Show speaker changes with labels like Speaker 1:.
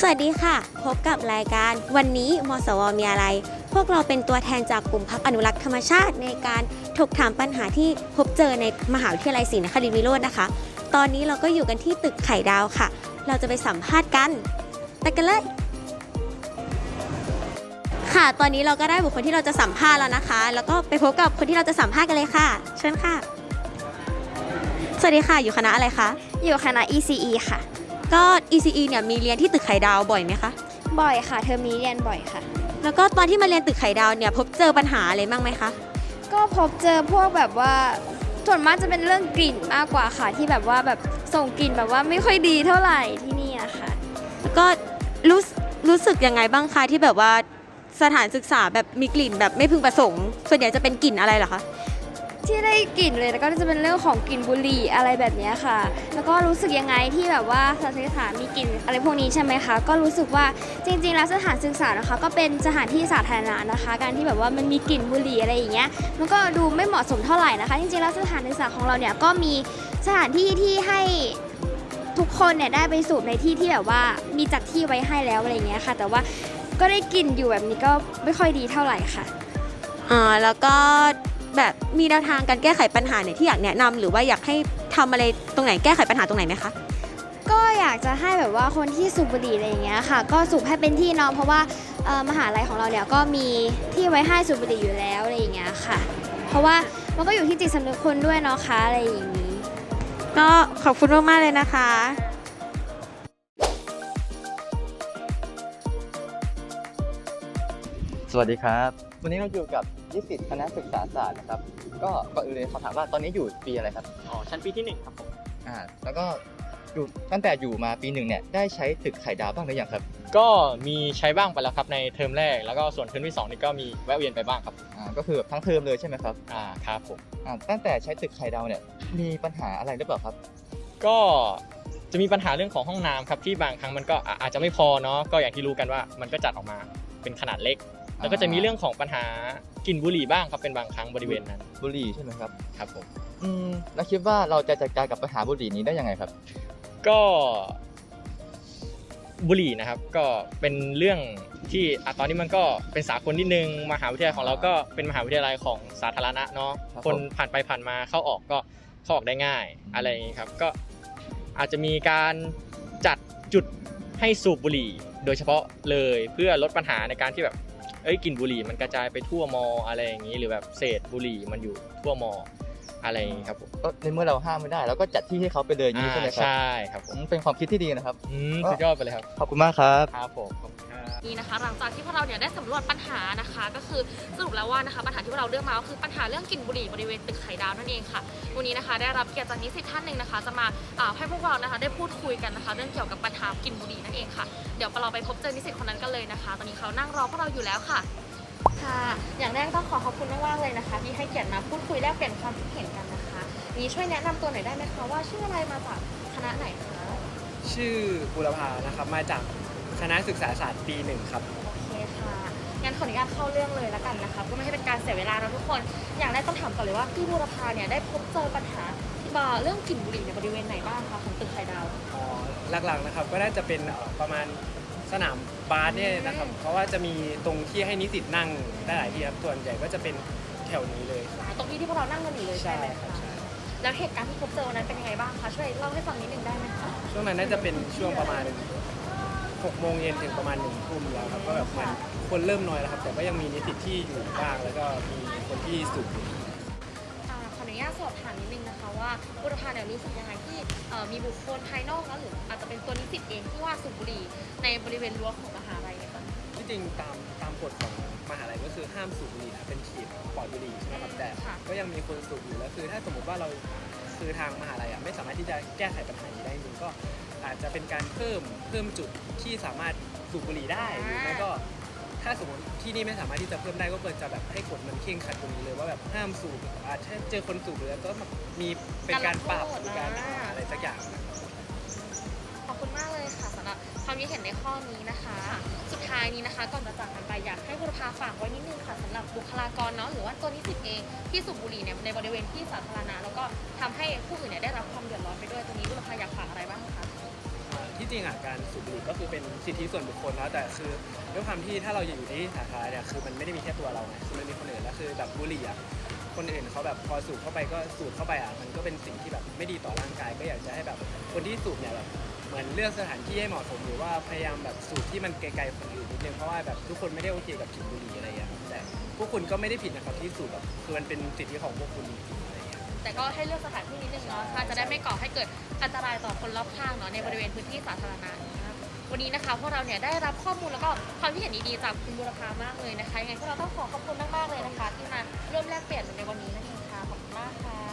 Speaker 1: สวัสดีค่ะพบกับรายการวันนี้มสวมีอะไรพวกเราเป็นตัวแทนจากกลุ่มพรรคอนุรักษ์ธรรมชาติในการถกถามปัญหาที่พบเจอในมหาวิทยาลัยศรีนครินทรวิโรจน์นะคะตอนนี้เราก็อยู่กันที่ตึกไข่ดาวค่ะเราจะไปสัมภาษณ์กันไปกันเลยค่ะตอนนี้เราก็ได้บุคคลที่เราจะสัมภาษณ์แล้วนะคะแล้วก็ไปพบกับคนที่เราจะสัมภาษณ์กันเลยค่ะเชิญค่ะสวัสดีค่ะอยู่คณะอะไรคะ
Speaker 2: อยู่คณะ ECE ค่ะ
Speaker 1: ก็ ECE เนี่ยมีเรียนที่ตึกไข่ดาวบ่อยไหมคะ
Speaker 2: บ่อยค่ะเทอมนี้เรียนบ่อยค่ะ
Speaker 1: แล้วก็ตอนที่มาเรียนตึกไข่ดาวเนี่ยพบเจอปัญหาอะไรบ้างไหมคะ
Speaker 2: ก็พบเจอพวกแบบว่าส่วนมากจะเป็นเรื่องกลิ่นมากกว่าค่ะที่แบบว่าแบบส่งกลิ่นแบบว่าไม่ค่อยดีเท่าไหร่ที่นี่อะค่ะ
Speaker 1: แล้วก็รู้สึกยังไงบ้างคะที่แบบว่าสถานศึกษาแบบมีกลิ่นแบบไม่พึงประสงค์ส่วนใหญ่จะเป็นกลิ่นอะไรเหรอคะ
Speaker 2: ที่ได้กลิ่นเลยแล้วก็จะเป็นเรื่องของกลิ่นบุหรี่อะไรแบบนี้ค่ะแล้วก็รู้สึกยังไงที่แบบว่าสถานศึกษามีกลิ่นอะไรพวกนี้ใช่ไหมคะก็รู้สึกว่าจริงๆแล้วสถานศึกษานะคะก็เป็นสถานที่สาธารณะนะคะการที่แบบว่ามันมีกลิ่นบุหรี่อะไรอย่างเงี้ยมันก็ดูไม่เหมาะสมเท่าไหร่นะคะจริงๆแล้วสถานศึกษาของเราเนี่ยก็มีสถานที่ที่ให้ทุกคนเนี่ยได้ไปสูบในที่ที่แบบว่ามีจัดที่ไว้ให้แล้วอะไรอย่างเงี้ยค่ะแต่ว่าก็ได้กลิ่นอยู่แบบนี้ก็ไม่ค่อยดีเท่าไหร่ค่ะ
Speaker 1: แล้วก็แบบมีแนวทางการแก้ไขปัญหาเนี่ยที่อยากแนะนำหรือว่าอยากให้ทำอะไรตรงไหนแก้ไขปัญหาตรงไหนไหมคะ
Speaker 2: ก็อยากจะให้แบบว่าคนที่สูบบุหรี่อะไรอย่างเงี้ยค่ะก็สูบให้เป็นที่เนาะเพราะว่ามหาลัยของเราเนี่ยก็มีที่ไว้ให้สูบบุหรี่อยู่แล้วอะไรอย่างเงี้ยค่ะเพราะว่ามันก็อยู่ที่จิตสำนึกคนด้วยเนาะคะอะไรอย่างนี้
Speaker 1: ก็ขอบคุณมากๆเลยนะคะ
Speaker 3: สวัสดีครับวันนี้เราอยู่กับนิสิตคณะศึกษาศาสตร์นะครับก็ก่อนอื่นเลยขอถามว่าตอนนี้อยู่ปีอะไรครับ
Speaker 4: ชั้นปีที่1ครับผม
Speaker 3: แล้วก็อยู่ตั้งแต่อยู่มาปี 1เนี่ยได้ใช้ตึกไข่ดาวบ้างหรือยังครับ
Speaker 4: ก็มีใช้บ้างไปแล้วครับในเทอมแรกแล้วก็ส่วนเทอมที่2นี่ก็มีแวะเวียนไปบ้างครับ
Speaker 3: ก็คือแบบทั้งเทอมเลยใช่ไหมครับ
Speaker 4: ครับผม
Speaker 3: ตั้งแต่ใช้ตึกไข่ดาวเนี่ยมีปัญหาอะไรหรือเปล่าครับ
Speaker 4: ก็จะมีปัญหาเรื่องของห้องน้ำครับที่บางครั้งมันก็อาจจะไม่พอเนาะก็อย่างที่รู้กันว่ามันก็จัดออกมาเป็นขนาดเล็กแล้วก็จะมีเรื่องของปัญหากลิ่นบุหรี่บ้างครับเป็นบางครั้งบริเวณนั้น
Speaker 3: บุหรี่ใช่ไหมครับ
Speaker 4: ครับผม
Speaker 3: แล้วคิดว่าเราจะจัดการกับปัญหาบุหรี่นี้ได้ยังไงครับ
Speaker 4: ก็บุหรี่นะครับก็เป็นเรื่องที่ตอนนี้มันก็เป็นสากลนิดนึงมหาวิทยาลัยของเราก็เป็นมหาวิทยาลัยของสาธารณะเนาะคนผ่านไปผ่านมาเข้าออกก็เข้าออกได้ง่ายอะไรอย่างนี้ครับก็อาจจะมีการจัดจุดให้สูบบุหรี่โดยเฉพาะเลยเพื่อลดปัญหาในการที่แบบกลิ่นบุหรี่มันกระจายไปทั่วมออะไรอย่างนี้หรือแบบเศษบุหรี่มันอยู่ทั่วมออะไรอย่างนี้ครับผม
Speaker 3: ก็ในเมื่อเราห้ามไม่ได้เราก็จัดที่ให้เขาไปเลยนี้ใช่ไหมครับ
Speaker 4: ใช่ครับ
Speaker 3: ผมเป็นความคิดที่ดีนะครับ
Speaker 4: สุดยอดไปเลยครับ
Speaker 3: ขอบคุณมากครับ
Speaker 4: ครับผม
Speaker 5: นี่นะคะหลังจากที่พวกเราเนี่ยได้สำรวจปัญหานะคะก็คือสรุปแล้วว่านะคะปัญหาที่พวกเราเลือกมาก็คือปัญหาเรื่องกลิ่นบุหรี่บริเวณตึกไข่ดาวนั่นเองค่ะวันนี้นะคะได้รับเกียรติจากนิสิตท่านหนึ่งนะคะจะมาให้พวกเรานะคะได้พูดคุยกันนะคะเรื่องเกี่ยวกับปัญหากลิ่นบุหรี่นั่นเองค่ะเดี๋ยวเราไปพบเจอนิสิตคนนั้นกันเลยนะคะตอนนี้เขานั่งรอพวกเราอยู่แล้วค่ะค่ะอย่างแรกต้องขอบคุณมากๆเลยนะคะที่ให้เกียรติมาพูดคุยแลกเปลี่ยนความคิดเห็นกันนะคะนี้ช่วยแนะนำตัวหน่อยได้ไหมคะว่าชื่ออะไรมาจากคณะไหนคะ
Speaker 6: ชื่อบุรพานะครับมาจากคณะศึกษาศาสตร์ปี1ครับ
Speaker 5: โอเคค่ะงั้นขออนุญาตเข้าเรื่องเลยแล้วกันนะคะก็ไม่ให้เป็นการเสียเวลานะทุกคนอย่างแรกต้องถามก่อนเลยว่าพี่บุรพาเนี่ยได้พบเจอปัญหาเรื่องกลิ่นบุหรี่ในบริเวณไหนบ้างคะของตึกไข่ดาว
Speaker 6: หลักๆนะครับก็น่าจะเป็นประมาณสนามบาสเนี่ยนะครับเพราะว่าจะมีตรงที่ให้นิสิตนั่งได้หลายที่ครับส่วนใหญ่ก็จะเป็นแถวนี้เลย
Speaker 5: ตรงที่พวกเรานั่งกันอยู่เลยใช่ไหมคะแล้วเหตุการณ์ที่พบเจอนั้นเป็นยังไงบ้างคะช่วยเล่าให้ฟังนิดนึงได้ไหมคะ
Speaker 6: ช่วงนั้นน่าจะเป็นช่วงประมาณ6 โมงเย็นถึงประมาณ1 ทุ่มแล้วครับก็แบบมันคนเริ่มน้อยแล้วครับแต่ก็ยังมีนิสิตที่อยู่บ้างแล้วก็มีคนที่สูบ
Speaker 5: ขออนุญาตสอบถามนิดนึงนะคะว่าบุรพาเนี่ยรู้สึกยังไงที่มีบุคคลภายนอกหรืออาจจะเป็นตัวนิสิตเองที่ว่าสูบบุหรี่ในบริเวณรั้วของมหาลัยเนี่ยค่ะ
Speaker 6: ที่จริงตามกฎของมหาลัยก็คือห้ามสูบบุหรี่เป็นเขตปลอดบุหรี่ใช่ไหมครับแต่ก็ยังมีคนสูบอยู่แล้วคือถ้าสมมติว่าเราคือทางมหาลัยไม่สามารถที่จะแก้ไขปัญหานี้ได้จริงก็อาจจะเป็นการเพิ่มจุดที่สามารถสูบบุหรี่ได้หรือไม่ก็ถ้าสมมติที่นี่ไม่สามารถที่จะเพิ่มได้ก็ควรจะแบบให้กฎมันเคร่งขัดตรงนี้เลยว่าแบบห้ามสูบอาจจะเจอคนสูบหรือก็มีเป็นการปรับหรือการอะไรสักอย่าง
Speaker 5: ขอบคุณมากเลยค่ะสำหรับความคิดเห็นในข้อนี้นะคะสุดท้ายนี้นะคะก่อนจะจากกันไปอยากให้บุรพาฝากไว้นิดนึงค่ะสำหรับบุคลากรเนาะหรือว่าตัวนิสิตเองที่สูบบุหรี่เนี่ยในบริเวณที่สาธารณะแล้วก็ทำให้ผู้อื่นเนี่ยได้รับความเดือดร้อนไปด้วยตรงนี้บุรพาอยากฝากอะไรบ้างคะ
Speaker 6: ที่จริงการสูบบุหรี่ก็คือคือเป็นสิทธิส่วนบุคคลแล้วแต่คือด้วยความที่ถ้าเราอยู่ที่สาธารณะเนี่ยคือมันไม่ได้มีแค่ตัวเราไงคือมันมีคนอื่นแล้วคือแบบบุหรี่อ่ะคนอื่นเขาแบบพอสูบเข้าไปก็สูดเข้าไปอ่ะมันก็เป็นสิ่งที่แบบไม่ดีต่อร่างกายก็อยากจะให้แบบคนที่สูบเนี่ยแบบเหมือนเลือกสถานที่ให้เหมาะสมหรือว่าพยายามแบบสูบที่มันไกลๆคนอื่นนิดนึงเพราะว่าแบบทุกคนไม่ได้โอเคกับกลิ่นบุหรี่อะไรอย่างเงี้ยแต่พวกคุณก็ไม่ได้ผิดนะครับที่สูบแบบคือมันเป็นสิทธิของพวกคุณจริงๆอะไรอย่างเงี้ย
Speaker 5: แต่ก็ให้เลือกสถานที่นิดนึงเนาะค่ะจะได้ไม่ก่อให้เกิดอันตรายต่อคนรอบข้างเนาะในบริเวณพื้นที่สาธารณะนะครับวันนี้นะคะพวกเราเนี่ยได้รับข้อมูลแล้วก็ความคิดเห็นดีๆจากคุณบุรพามากเลยนะคะยังไงพวกเราต้องขอบคุณมากๆเลยนะคะ ที่มาร่วมแลกเปลี่ยนในวันนี้นั่นเองค่ะขอบคุณมากค่ะ